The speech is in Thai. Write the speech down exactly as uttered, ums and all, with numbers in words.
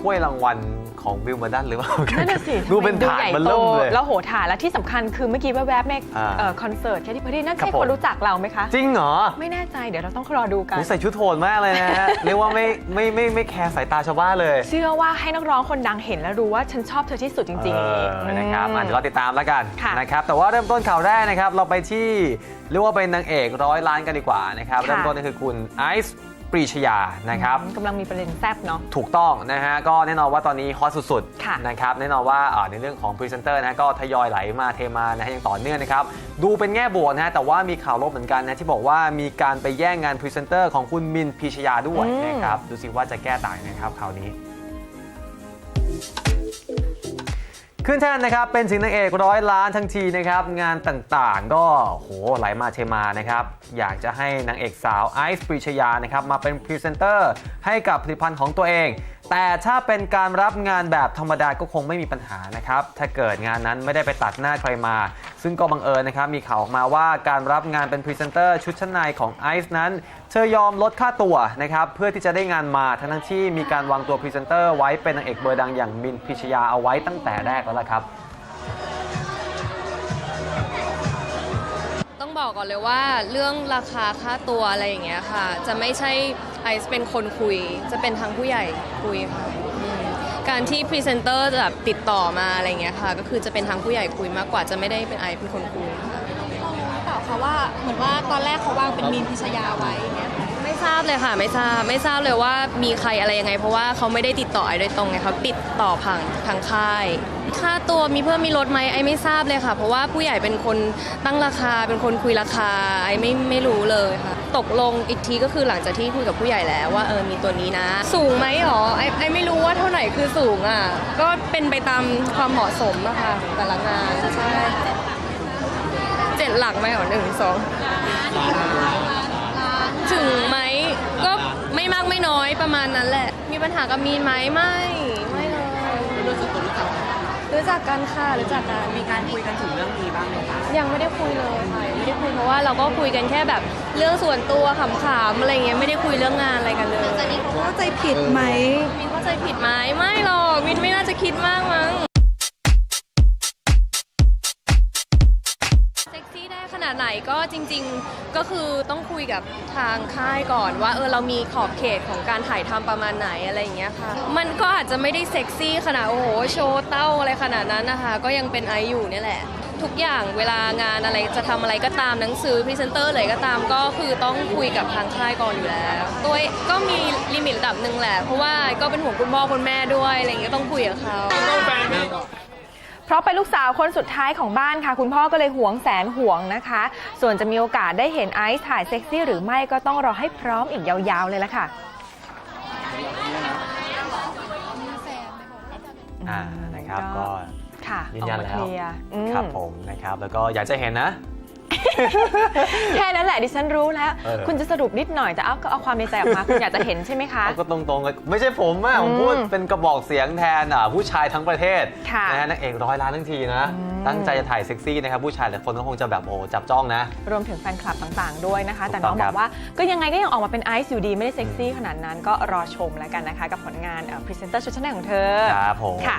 ถ้วยรางวัลของวิลมาดันหรือเปล่านั่นน่ะสิดูเป็นถาดมันเริ่มเลยแล้วโหถาดและที่สำคัญคือเมื่อกี้แวบๆในคอนเสิร์ตแคทตี้เพอร์ตี้นั่นใช่คนรู้จักเราไหมคะจริงเหรอไม่แน่ใจเดี๋ยวเราต้องรอดูกันใส่ชุดโทนมากเลยนะฮะเรียกว่าไม่ไม่ไม่ไม่แคร์สายตาชาวบ้านเลยเชื่อว่าให้นักร้องคนดังเห็นแล้วรู้ว่าฉันชอบเธอที่สุดจริงๆนะครับเดี๋ยวเราติดตามแล้วกันนะครับแต่ว่าเริ่มต้นข่าวแรกนะครับเราไปที่เรียกว่าเป็นนางเอกร้อยล้านกันดีกว่านะครับเริ่มต้นก็คือคุณไอซ์ปรีชยานะครับกำลังมีประเด็นแซ่บเนาะถูกต้องนะฮะก็แน่นอนว่าตอนนี้ฮอตสุดๆนะครับแน่นอนว่าในเรื่องของพรีเซนเตอร์นะก็ทยอยไหลมาเทมานะฮะอย่างต่อเนื่องนะครับดูเป็นแง่บวกนะฮะแต่ว่ามีข่าวลบเหมือนกันนะที่บอกว่ามีการไปแย่งงานพรีเซนเตอร์ของคุณมินพีชยาด้วยนะครับดูสิว่าจะแก้ต่างนะครับข่าวนี้ขึ้นแท่นนะครับเป็นสิงห์นางเอกร้อยล้านทั้งทีนะครับงานต่างๆก็โหไหลมาเทมานะครับอยากจะให้นางเอกสาวไอซ์ปรีชยานะครับมาเป็นพรีเซนเตอร์ให้กับผลิตภัณฑ์ของตัวเองแต่ถ้าเป็นการรับงานแบบธรรมดาก็คงไม่มีปัญหานะครับถ้าเกิดงานนั้นไม่ได้ไปตัดหน้าใครมาซึ่งก็บังเอิญนะครับมีข่าวออกมาว่าการรับงานเป็นพรีเซนเตอร์ชุดชั้นในของไอซ์นั้นเธอยอมลดค่าตัวนะครับเพื่อที่จะได้งานมาทั้งที่มีการวางตัวพรีเซนเตอร์ไว้เป็นนางเอกเบอร์ดังอย่างมินพิชยาเอาไว้ตั้งแต่แรกแล้วล่ะครับต้องบอกก่อนเลยว่าเรื่องราคาค่าตัวอะไรอย่างเงี้ยค่ะจะไม่ใช่ไอซ์เป็นคนคุยจะเป็นทางผู้ใหญ่คุยค่ะการที่พรีเซนเตอร์แบบติดต่อมาอะไรเงี้ยค่ะก็คือจะเป็นทางผู้ใหญ่คุยมากกว่าจะไม่ได้เป็นไอซ์เป็นคนคุยค่ะเปล่าคะว่าเหมือนว่าตอนแรกเขาวางเป็นมีนพิชยาไว้เนี่ยไม่ทราบเลยค่ะไม่ทราบไม่ทราบเลยว่ามีใครอะไรยังไงเพราะว่าเขาไม่ได้ติดต่อไอโดยตรงไงเขาติดต่อผ่านทางค่ายค่าตัวมีเพิ่มมีลดไหมไอไม่ทราบเลยค่ะเพราะว่าผู้ใหญ่เป็นคนตั้งราคาเป็นคนคุยราคาไอไม่ไม่รู้เลยค่ะตกลงอีกทีก็คือหลังจากที่คุยกับผู้ใหญ่แล้วว่าเออมีตัวนี้นะสูงไหมหรอไอไอไม่รู้ว่าเท่าไหร่คือสูงอ่ะก็เป็นไปตามความเหมาะสมอะค่ะแต่ละงานใช่เจ็ดหลักไหมหรอหนึ่งสองถึงไหมก็ไม่มากไม่น้อยประมาณนั้นแหละมีปัญหากับมีนไหมไม่ไม่เลยรู้จักรู้จักรู้จักกันค่ะรู้จักกันมีการคุยกันถึงเรื่องนี้บ้างไหมคะยังไม่ได้คุยเลยค่ะไม่ได้คุยเพราะว่าเราก็คุยกันแค่แบบเรื่องส่วนตัวขำๆอะไรเงี้ยไม่ได้คุยเรื่องงานอะไรกันเลยเข้าใจผิดไหมมินเข้าใจผิดไหมไม่หรอกมินไม่น่าจะคิดมากมั้งขนาดไหนก็จริงๆก็คือต้องคุยกับทางค่ายก่อนว่าเออเรามีขอบเขตของการถ่ายทำประมาณไหนอะไรอย่างเงี้ยค่ะมันก็อาจจะไม่ได้เซ็กซี่ขนาดโอ้โหโชว์เต้าอะไรขนาดนั้นนะคะก็ยังเป็นไออยู่นี่แหละทุกอย่างเวลางานอะไรจะทำอะไรก็ตามหนังสือพรีเซนเตอร์อะไรก็ตามก็คือต้องคุยกับทางค่ายก่อนอยู่แล้วโดยก็มีลิมิตระดับหนึ่งแหละเพราะว่าก็เป็นห่วงคุณพ่อคุณแม่ด้วยอะไรอย่างเงี้ยต้องคุยกับเขาเพราะเป็นลูกสาวคนสุดท้ายของบ้านค่ะคุณพ่อก็เลยหวงแสนหวงนะคะส่วนจะมีโอกาสได้เห็นไอซ์ถ่ายเซ็กซี่หรือไม่ก็ต้องรอให้พร้อมอีกยาวๆเลยละค่ะอ่านะครับก็ยืนยันแล้วครับผมนะครับแล้วก็อยากจะเห็นนะแค่นั้นแหละดิฉันรู้แล้วคุณจะสรุปนิดหน่อยแต่เอาก็เอาความในใจออกมาคุณอยากจะเห็นใช่ไหมคะก็ตรงๆเลยไม่ใช่ผมอะผมพูดเป็นกระบอกเสียงแทนผู้ชายทั้งประเทศนะฮะนักเอกร้อยล้านทั้งทีนะตั้งใจจะถ่ายเซ็กซี่นะครับผู้ชายแต่คนก็คงจะแบบโอ้จับจ้องนะรวมถึงแฟนคลับต่างๆด้วยนะคะแต่น้องบอกว่าก็ยังไงก็ยังออกมาเป็นไอซ์อยู่ดีไม่ได้เซ็กซี่ขนาดนั้นก็รอชมแล้วกันนะคะกับผลงานพรีเซนเตอร์ชุดชั้นในของเธอครับผม